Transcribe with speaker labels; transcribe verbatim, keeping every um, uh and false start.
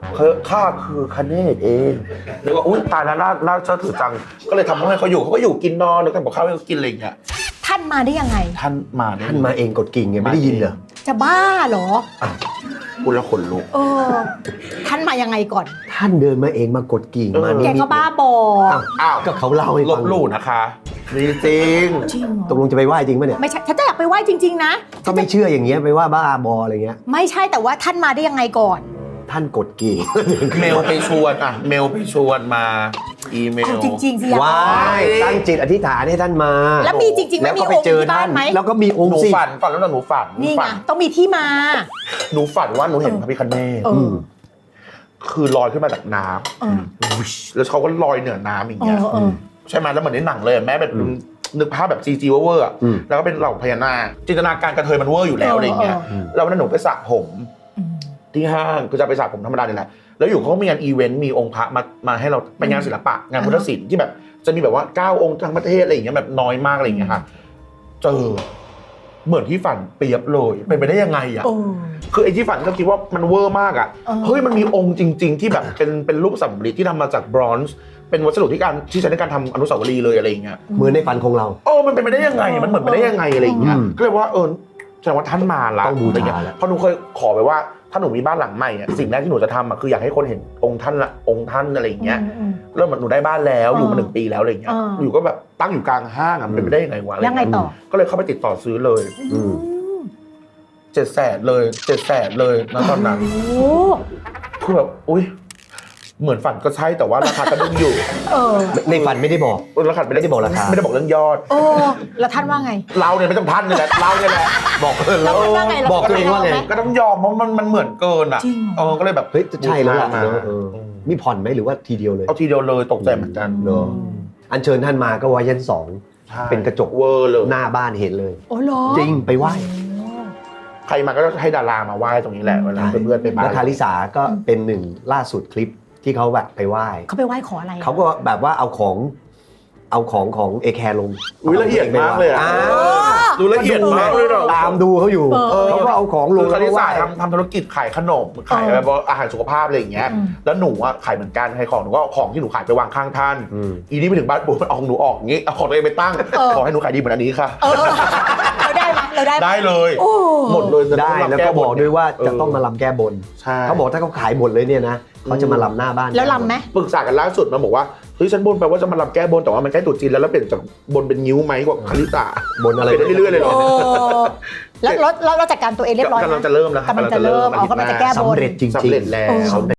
Speaker 1: ข้าคือคเนศเองแล้วก็อุ้ยตายแล้วน่าน่าเชื่อถือจังก็เลยทำให้เขาอยู่เขาก็อยู่กินนอนแล้วทำกับข้าวให้เขากินอะไรอย่างเงี้ย
Speaker 2: ท่านมาได้ยังไง
Speaker 1: ท่านมาได้
Speaker 3: ท่านมาเองกดกิ่งไงไม่ได้ยินเหรอ
Speaker 2: จะบ้าเหรอ
Speaker 1: พูดแล้วขนลุก
Speaker 2: เออท่านมายังไงก่อน
Speaker 3: ท่านเดินมาเองมากดกิ่งมา
Speaker 2: แกก็บ้าบอ
Speaker 3: อ้าวก็เขาเล่าให้ฟัง
Speaker 1: ลบหลู่นะคะจริงจริง
Speaker 3: ตกลงจะไปไหว้จริงป่ะเนี่ย
Speaker 2: ไม่ใช่ฉันจะอยากไปไหว้จริงๆนะ
Speaker 3: ก็ไม่เชื่ออย่างเงี้ยไปว่าบ้าบออะไรเงี้ย
Speaker 2: ไม่ใช่แต่ว่าท่านมาได้ยังไงก่อน
Speaker 3: ท่านกดกิ่ง
Speaker 1: เมลไปชวนอ่ะเมลไปชวนมาอีเมล
Speaker 2: จริงๆสิ
Speaker 3: ว้ายตั้งจิตอธิษฐานให้ท่านมา
Speaker 2: แล้วมีจริงๆ
Speaker 3: แล้วก็ไปเจอท่านแล้วก็มีองค์สิ
Speaker 1: หนูฝันฝันแล้วหนูฝัน
Speaker 2: นี่ไงต้องมีที่มา
Speaker 1: หนูฝันว่าหนูเห็นพระพิฆเนศคือลอยขึ้นมาจากน้ำแล้วเขาก็ลอยเหนือน้ำอย่างเงี้ยใช่ไหมแล้วเหมือนในหนังเลยแม้แบบนึกภาพแบบซีจีเวอร์อ่ะแล้วก็เป็นเหล่าพญานาคจินตนาการกระเทยมันเวอร์อยู่แล้วอะไรเงี้ยแล้ววันนั้นหนูไปสระผมที่ห้างก็จะไปสระผมธรรมดาเนี่ยแหละแล้วอยู่เขาก็มีงานอีเวนต์มีองค์พระมามาให้เราเป็นงานศิลปะงานพุทธศิลป์ที่แบบจะมีแบบว่าเก้าองค์ทั้งประเทศอะไรอย่างเงี้ยแบบน้อยมากอะไรอย่างเงี้ยค่ะเจอเหมือนที่ฝันเปรียบเลยเป็นไปได้ยังไงอ่ะคือไอ้ที่ฝันก็คิดว่ามันเวอร์มากอ่ะเฮ้ยมันมีองค์จริงๆที่แบบเป็นเป็นรูปสำริดที่ทำมาจากบรอนซ์เป็นวัสดุที่การที่ใช้ในการทำอนุสาวรีย์เลยอะไรอย่างเงี้ย
Speaker 3: เหมือนในฝันของเรา
Speaker 1: เออมันเป็นไปได้ยังไงมันเหมือนไปได้ยังไงอะไรอย่างเงี้ยก็เลยว่าเออแสดงว่าท่านมาละ
Speaker 3: ต้องบูชาแล้ว
Speaker 1: เพราะหนูเคยขอไปว่าถ้าหนูมีบ้านหลังใหม่อ่ะสิ่งแรกที่หนูจะทำอ่ะคืออยากให้คนเห็นองค์ท่านละองค์ท่านอะไรอย่างเงี้ยเริ่มหนูได้บ้านแล้วอยู่มาหนึ่งปีแล้วอะไรอย่างเงี้ยอยู่ก็แบบตั้งอยู่กลางห้างอ่ะเป็นไปได้ยังไงวะ
Speaker 2: ยังไงต่อ
Speaker 1: ก็เลยเข้าไปติดต่อซื้อเลยเจ็ดแสนเลยเจ็ดแสนเลยณตอนนั้นคือแบบอุ้ยเหมือนฝันก็ใช่แต่ว่าราคาก็ดึงอยู่
Speaker 3: ในฝันไม่ได้บอก
Speaker 1: ราคาไม่ได้บอกราคาไม่ได้บอกเรื่องยอด
Speaker 2: โอ้แล้วท่านว่าไง
Speaker 1: เราเนี่ยไม่ต้องท่านเนี่ยแหละเราเนี่ยแหละบอกเออ
Speaker 2: เรา
Speaker 3: บอกตัวเองว่าไง
Speaker 1: ก็ต้องยอมเพราะมันมันเหมือนเกินอ่ะเออก็เลยแบบ
Speaker 3: เฮ้ยจะใช่แล้วล่ะมีผ่อนไหมหรือว่าทีเดียวเลย
Speaker 1: เอาทีเดียวเลยตกใจเหมือนกัน
Speaker 3: เนอะอัญเชิญท่านมาก็ไว้ชั้นสองเป็นกระจก
Speaker 1: เวอร์เลย
Speaker 3: หน้าบ้านเห็นเลย
Speaker 2: โอ้เหรอ
Speaker 3: จริงไปไหว้
Speaker 1: ใครมาก็ให้ดารามาไหว้ตรงนี้แหละเวลาเพื่อนๆไปบ้าน
Speaker 3: แล้วคาริสาก็เป็นหนึ่งล่าสุดคลิปที่เขาแบบไปไหว้
Speaker 2: เขาไปไหว้ขออะไร
Speaker 3: เขาก็แบบว่าเอาของเอาของของเอแคร์ลง
Speaker 1: อุ้ยละเอียดมากเลยอ่ะดูละเอียดมากเลยหรอ
Speaker 3: ตามดูเขาอยู่เขาก็เอาของลง
Speaker 1: คาริสาทำทำธุรกิจขายขนมขายแบบอาหารสุขภาพอะไรอย่างเงี้ยแล้วหนูอ่ะขายเหมือนกันขายของหนูก็ของที่หนูขายไปวางข้างท่านอีนี่ไปถึงบ้านปุ๊บมันเอาของหนูออกงี้เอาของตัวเองไปตั้งขอให้หนูขายดีเหมือนอันนี้ค่ะ
Speaker 2: เราได้ไหมเราได้
Speaker 1: ได้เลยหมดเลย
Speaker 3: ได้แล้วก็บอกด้วยว่าจะต้องมาลำแก้บนเขาบอกถ้าเขาขายหมดเลยเนี่ยนะเขาจะมาลำหน้าบ้าน
Speaker 2: แล้วลำไหม
Speaker 1: ปรึกษากันล่าสุดมันบอกว่าเฮ้ยฉันบนไปว่าจะมาลำแก้บนแต่ว่ามันใกล้ตรุษจีนแล้วแล้วเปลี่ยนจากบนเป็นนิ้วไหมกว่าคาริสา
Speaker 3: บนอะไร
Speaker 1: ได้เรื่อยๆเลยเหรอ
Speaker 2: แล้วเราจัดการตัวเองเรียบร้อย
Speaker 1: กำลังจะเริ่มแล้ว
Speaker 2: กำลังจะเริ่มเอากำลังจะแก้บน
Speaker 3: สำเร็จจริงๆ
Speaker 1: สำเร็จแล้ว